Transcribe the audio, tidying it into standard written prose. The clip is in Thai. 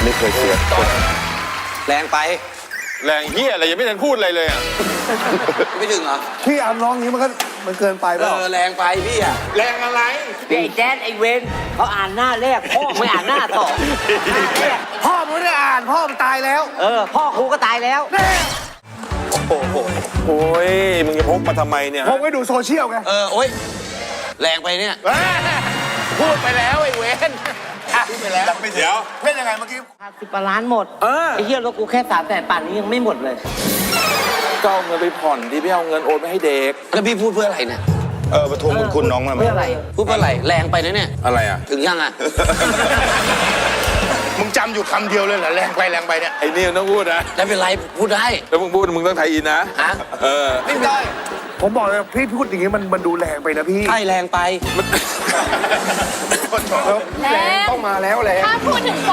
ไม่เคยเสียคนแรงไปแรงเฮียอะไรยังไม่ทันพูดอะไรเลยอ่ะไม่ถึงเหรอพี่อามร้องอย่างนี้มันเกินไปเปล่าแรงไปพี่อะแรงอะไรไอ้แจ๊ดไอ้เวนเขาอ่านหน้าแรกพ่อไม่อ่านหน้าสองพ่อมันไม่ได้อ่านพ่อมันตายแล้วพ่อครูก็ตายแล้วโอ้โหโอ้ยมึงจะพกมาทำไมเนี่ยผมไปดูโซเชียลไงโอ๊ยแรงไปเนี่ยพูดไปแล้วไอ้เวนพูดไปแล้วไม่เดี๋ยวเล่นยังไงเมื่อกี้ 10 ล้านหมดไอ้เหี้ยรถกูแค่300,000ป่านนี้ยังไม่หมดเลยก็เอาเงินไปผ่อนที่พี่เอาเงินโอนไปให้เด็กแล้วพี่พูดเพื่ออะไรเนี่ยมาทวงบุญคุณน้องมาไหมเพื่ออะไรพูดเพื่ออะไรแรงไปนะเนี่ยอะไรอ่ะถึงยังอะมึงจำอยู่คำเดียวเลยเหรอแรงไปเนี่ยไอ้นี่มันต้องพูดนะไม่เป็นไรพูดได้แล้วมึงพูดมึงต้องไทยอินนะฮะไม่ได้ ผมบอกเลยพี่พูดอย่างนี้มันดูแรงไปนะพี่ใช่แรงไปแรงต้องมาแล้วแรงถ้าพูดถึง